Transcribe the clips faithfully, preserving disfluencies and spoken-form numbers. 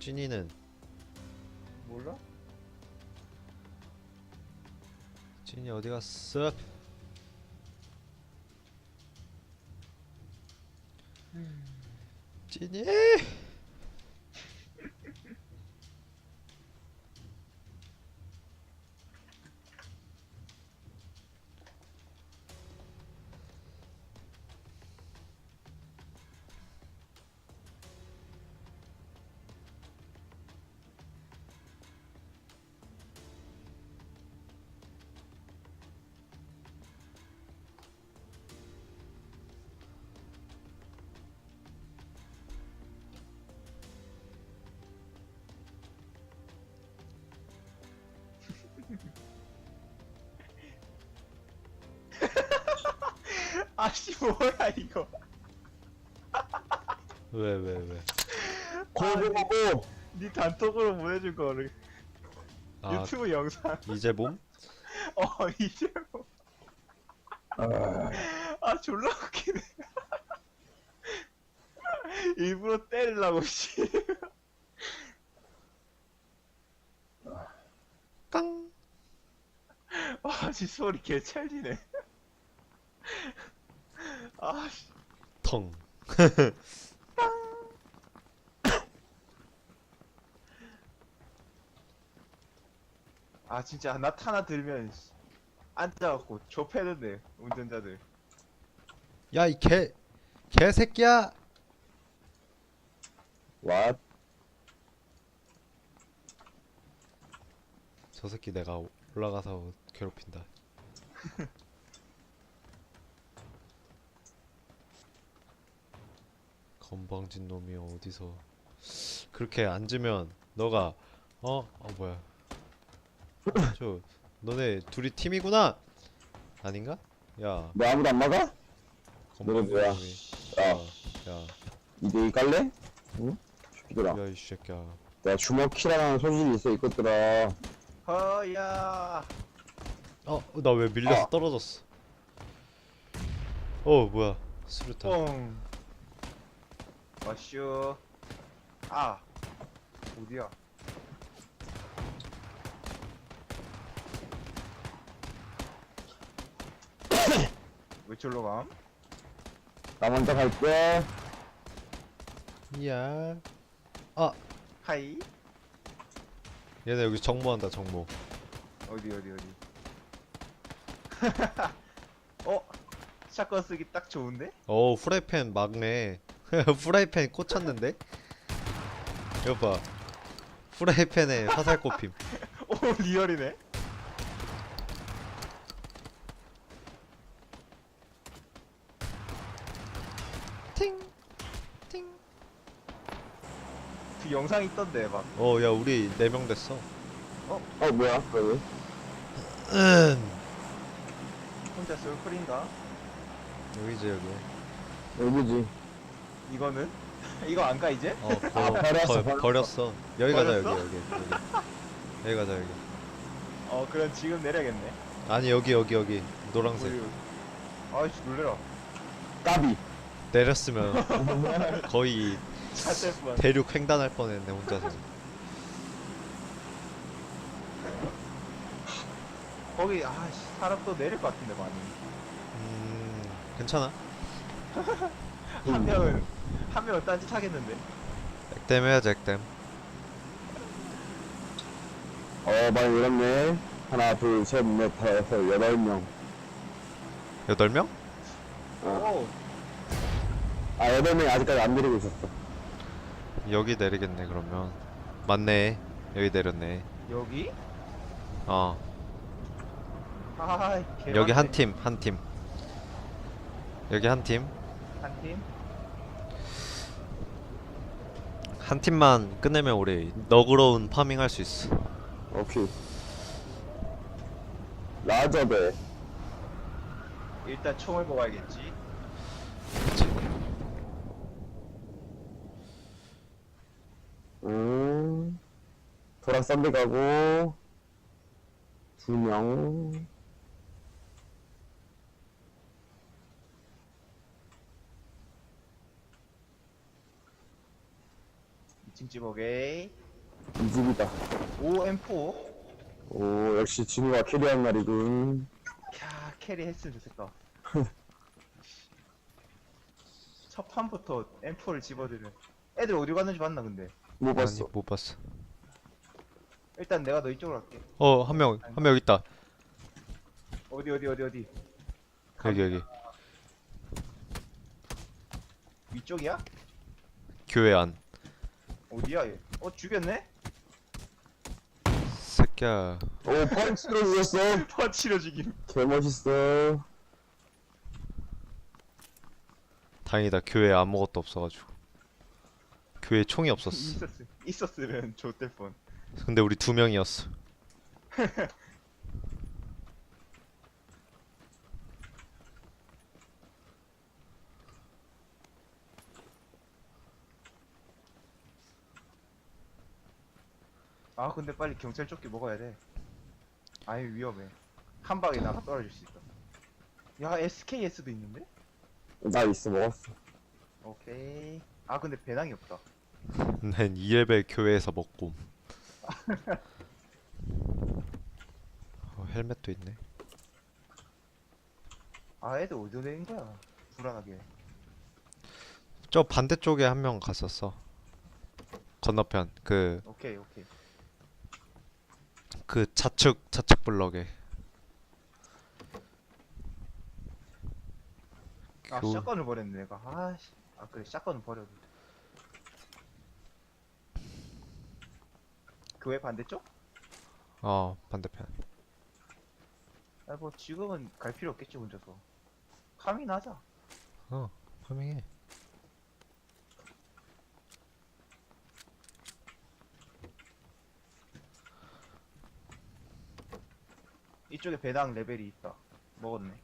찐이는 몰라? 찐이 어디 갔어? 찐이 아씨 뭐야 이거. 왜 왜 왜? 고고고고. 네 단톡으로 보내준 거를 아 유튜브 영상. 이제 봄? 어 이제 뭐. 아, 아 졸라 웃기네. 일부러 때리려고 씨. 깡 아씨 소리 개찰지네. 아씨. 텅. 아 진짜 나타나 들면 씨, 앉아갖고 좁혀는데 운전자들. 야 이 개 개새끼야! 왓? 저 새끼 내가 올라가서 괴롭힌다. 건방진 놈이 어디서 그렇게 앉으면 너가 어? 어 뭐야? 어, 저 너네 둘이 팀이구나. 아닌가? 야 너 아무도 안 막아? 너네 건방진 뭐야? 놈이. 야, 야, 이대이 깔래? 응? 새끼들아. 야, 이 새끼야. 내가 주먹키라는 소질이 있어, 이것들아. 허야. 어, 나 왜 밀려서 아. 떨어졌어? 어, 뭐야? 수류탄. 뻥. 마쇼. 아. 어디야? 왜 절로 감? 나 먼저 갈게. 야, 아, 하이. 얘네 여기 정모한다, 정모. 어디 어디 어디. 어? 샷건 쓰기 딱 좋은데? 어, 후라이팬 막네. 후라이팬 꽂혔는데? 이거 봐. 후라이팬에 화살 꼽힘. 오 리얼이네. 팅, 팅. 그 영상 있던데 막. 어, 야, 우리 네 명 됐어. 어, 뭐야, 여기. 음. 혼자 솔플인가? 여기지, 여기. 여기지. 이거는? 이거 안 가 이제? 어, 거, 아, 버렸어, 거, 버렸어. 버렸어. 여기 가자, 여기, 버렸어? 여기, 여기. 여기 가자, 여기. 어 그럼 지금 내려야겠네. 아니, 여기, 여기, 여기. 노란색. 어디, 어디. 아이씨 놀래라. 까비. 내렸으면 거의 샷될 뻔. 대륙 횡단할 뻔했네, 혼자서. 거기 아씨 사람 또 내릴 것 같은데 많이. 음, 괜찮아. 한 명은 한 명은 딴짓 하겠는데. 액땜 해야지, 액땜. 어, 많이 늘었네. 하나, 둘, 셋, 넷, 다섯, 여섯, 여덟 명. 여덟 명? 오. 아, 여덟 명이 아직까지 안 내리고 있었어. 여기 내리겠네, 그러면. 맞네. 여기 내렸네. 여기? 어. 아이 개 여기 많네. 한 팀, 한 팀. 여기 한 팀. 한 팀? 한 팀만 끝내면 우리 너그러운 파밍 할 수 있어. 오케이. 라저베. 일단 총을 뽑아야겠지. 그치? 음. 도락 썬데 가고. 두 명. 이제 이 층 집 오케이. 이 집이다. 오 엠포. 오, 역시 진우가 캐리한 날이군. 캬 캐리 했으면 좋겠다. 첫 판부터 엠포를 집어들은. 애들 어디 갔는지 봤나 근데. 못 아니 봤어. 못 봤어. 일단 내가 너 이쪽으로 갈게. 어 한 명 한 명 여기 있다. 어디 어디 어디 어디. 여기 여기 위쪽이야? 교회 안. 어디야 얘? 어 죽였네? 새끼야. 오, 펀치로 죽였어. 퍼치로 죽임. 개멋있어. 다행이다. 교회에 아무것도 없어가지고. 교회에 총이 없었어. 있었음 있었으면 좋을 뻔. 근데 우리 두 명이었어. 아 근데 빨리 경찰 조끼 먹어야 돼. 아유 위험해. 한 방에 나가 떨어질 수 있다. 야 에스케이에스도 있는데? 나 있어, 먹었어. 오케이. 아 근데 배낭이 없다. 난 이레벨 교회에서 먹고. 어, 헬멧도 있네. 아 애들 어디로 된 거야? 불안하게. 저 반대쪽에 한 명 갔었어. 건너편 그 그 오케이 오케이. 좌측 좌측 블럭에. 아 교- 샷건을 버렸네 내가. 아씨. 아 그래 샷건을 버려도. 교회 반대쪽? 어 반대편. 아 뭐 지금은 갈 필요 없겠지 혼자서. 카미나 하자. 어 파밍해. 이쪽에 배낭 레벨이 있다. 먹었네.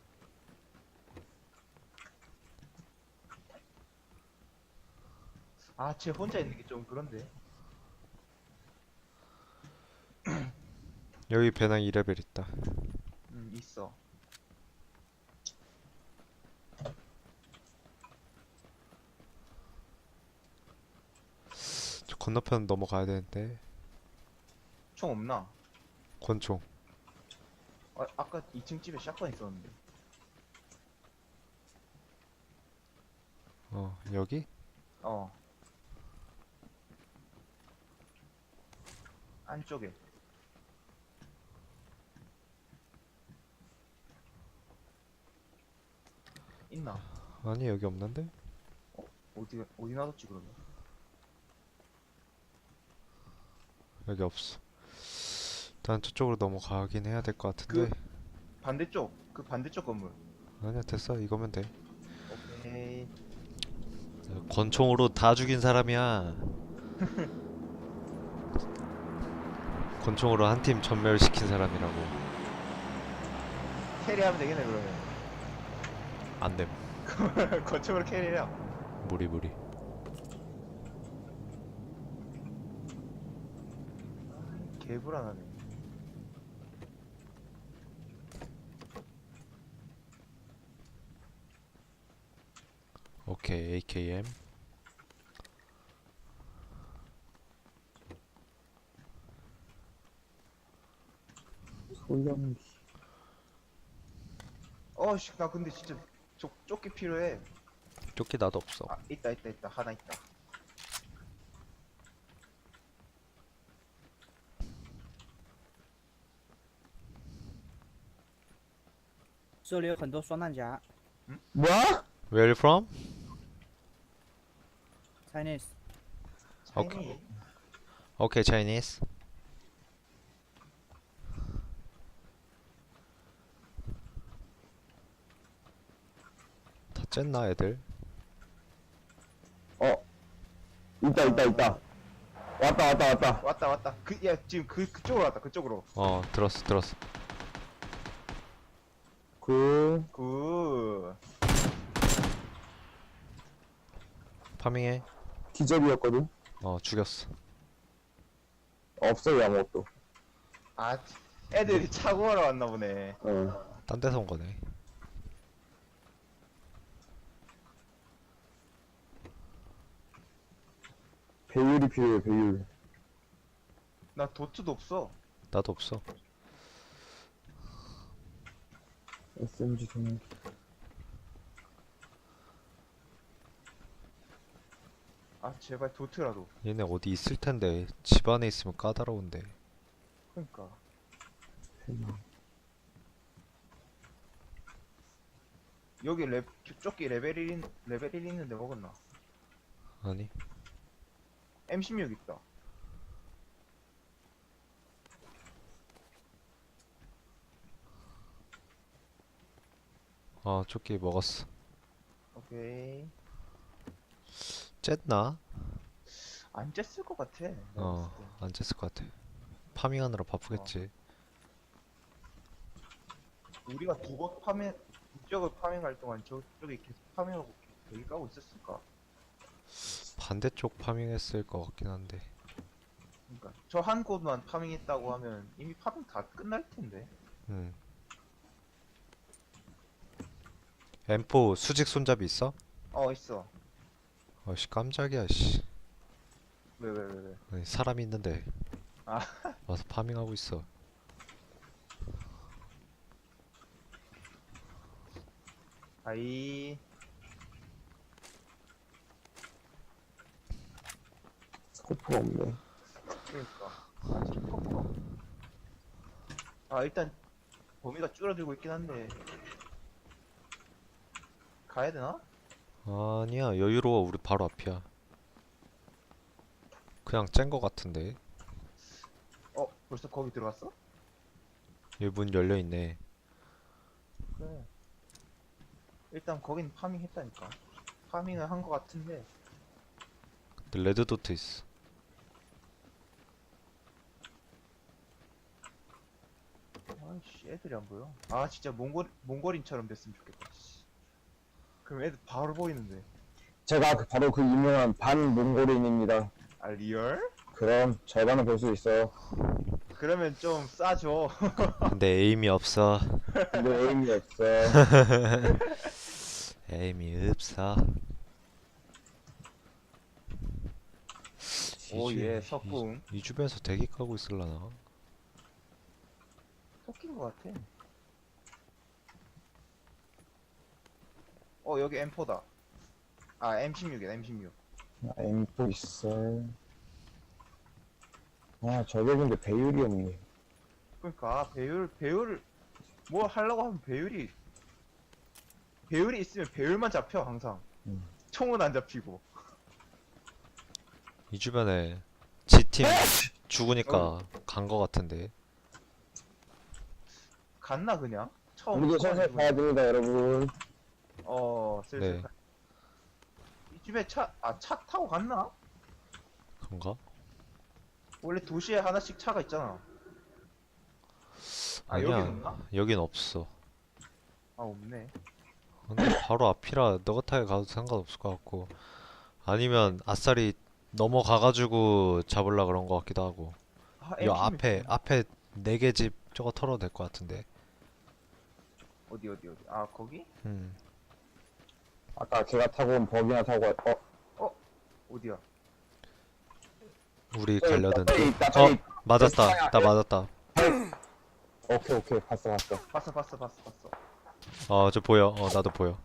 아, 쟤 혼자 있는 게 좀 그런데. 여기 배낭 이레벨 있다. 음, 있어. 저 건너편 넘어가야 되는데. 총 없나? 권총. 아, 아까 이 층 집에 샷건 있었는데. 어 여기? 어. 안쪽에. 있나? 아니 여기 없는데? 어디, 어디 놔뒀지, 그러면? 여기 없어. 일단 저쪽으로 넘어가긴 해야 될 것 같은데. 반대쪽, 그 반대쪽 건물. 아니야 됐어 이거면 돼. 오케이. 권총으로 다 죽인 사람이야. 권총으로 한 팀 전멸시킨 사람이라고. 캐리하면 되겠네, 그러면. 안됨. 거쪽으로 캐리해요. 무리 무리. 개불안하네. 오케이 에이케이엠. 소염기. 어씨, 나 근데 진짜 조, 조끼 필요해. 조끼 나도 없어. 아, 있다, 있다, 있다. 하나 있다. 这里有很多双弹夹 뭐야? Where are you from? ，Chinese。 오케이. 오케이 Chinese. 다 쨌나 애들? 어. 있다, 있다, 있다. 왔다, 왔다, 왔다. 왔다, 왔다. 그, 야, 지금 그, 그쪽으로 왔다, 그쪽으로. 어 들었어 들었어. 그, 굿. 파밍해. 기절이었거든? 어 죽였어. 없어요, 아무것도. 아, 애들이 차고 하러 왔나 보네. 어. 딴 데서 온 거네. 배율이 필요해, 배율. 나 도트도 없어. 나도 없어. 에스엠지 좀. 아 제발 도트라도. 얘네 어디 있을 텐데 집 안에 있으면 까다로운데. 그러니까. 여기 레 조끼 레벨 일 레벨 일 있는데 먹었나? 아니 엠 십육 있다. 아 조끼 먹었어. 오케이. 쨌나? 안 쬐을 것 같아. 내가 어 봤을 때. 안 쨌을 것 같아. 파밍하느라 바쁘겠지. 우리가 두 번 파밍 이쪽을 파밍할 동안 저쪽에 계속 파밍하고 여기 까고 있었을까? 반대쪽 파밍했을 것 같긴 한데. 그러니까 저 한 곳만 파밍했다고 하면 이미 파밍 다 끝날 텐데. 음. 엠포 수직 손잡이 있어? 어 있어. 어씨 깜짝이야 씨. 왜 왜 왜 왜? 아니, 사람 있는데 아. 와서 파밍하고 있어. 아이. 스코프가 없네. 그러니까. 아 스코프가. 아 일단 범위가 줄어들고 있긴 한데. 가야 되나? 아니야 여유로워. 우리 바로 앞이야. 그냥 짠 거 같은데. 어 벌써 거기 들어갔어? 여기 문 열려있네. 그래. 일단 거긴 파밍 했다니까. 파밍을 한 거 같은데. 근데 레드도트 있어. 아이씨 애들이 안 보여. 아 진짜 몽골 몽골인처럼 됐으면 좋겠다. 씨. 그럼 애들 바로 보이는데. 제가 그- 바로 그 유명한 반몽골인입니다. 아 리얼? 그럼 절반은 볼 수 있어. 그러면 좀 싸줘. 근데 에임이 없어. 근데 에임이 없어. 에임이 없어. 오예 이 주- 석궁. 이, 이 주변에서 대기 까고 있을라나? 섞인 거 같아. 어 여기 엠 포다. 아 엠 십육이다 엠 십육. 엠포 있어. 아, 저격인데 배율이 없네. 그러니까 아, 배율 배율을 뭐 하려고 하면 배율이 배율이 있으면 배율만 잡혀 항상. 음. 총은 안 잡히고. 이 주변에 지팀 죽으니까 간 거 같은데. 갔나 그냥? 처음 우리도 처음 슬슬 해보는- 가야 됩니다, 여러분. 어 슬슬 네. 가- 이 집에 차 아 차 타고 갔나? 그런가? 원래 도시에 하나씩 차가 있잖아. 아 아니야. 여기 없나? 여긴 없어. 아 없네. 근데 바로 앞이라 너가 타게 가도 상관없을 것 같고. 아니면 아싸리 넘어가가지고 잡으려 그런 것 같기도 하고. 아, 요 엠 십육 앞에 있구나. 앞에 네 개 집 저거 털어도 될 것 같은데. 어디 어디 어디 아 거기? 음. 아까 걔가 타고 온 버기나 타고, 어, 어디야? 우리 저기 가려던 저기 데. 있다, 어 저기. 맞았다. 나 맞았다. 오케이, 오케이. 봤어, 봤어. 봤어 봤어 봤어 봤어. 어 저 보여. 어 나도 보여.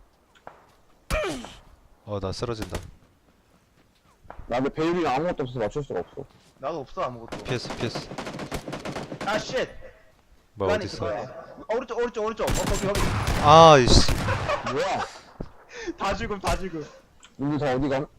어 나 쓰러진다. 나 근데 배율이 아무것도 없어서 맞출 수가 없어. 나도 없어 아무것도. 피했어 피했어. 아 쉣. 뭐야 그 안에 있어, 어딨어? 그 안에. 어, 오른쪽 오른쪽 오른쪽. 어 거기 거기. 아이씨. 뭐야? 다 죽음 다 죽음. 우리 다 어디 가?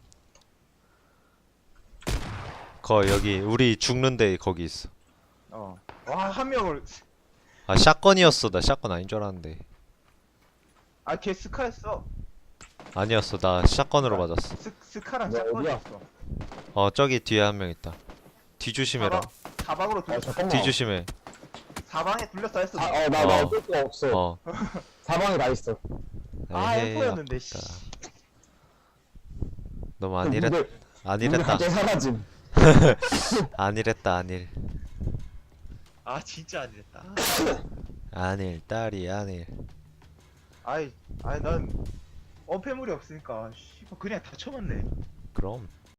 거 여기 우리 죽는데 거기 있어. 어. 와 한 명을. 아 샷건이었어. 나 샷건 아닌 줄 알았는데. 아 걔 스카였어. 아니었어. 나 샷건으로 맞았어. 스 스카랑 뭐야, 어디야? 샷건이었어. 어 저기 뒤에 한 명 있다. 뒤 조심해라. 사방, 사방으로 아, 둘 잠깐만. 뒤 조심해. 사방에 둘러싸였어. 아, 어, 나, 나 어. 어쩔 수가 없어. 어. 사방에 다 있어. 아 에헤이, 엠포였는데 씨. 아깝다. 너무 안일했 문들- 문들 안일했다. 갑자기 사라짐. 안일했다 안일. 아 진짜 안 됐다. 안일 딸이 안일. 아이 아이 난 어폐물이 없으니까 씨 그냥 다 쳐맞네. 그럼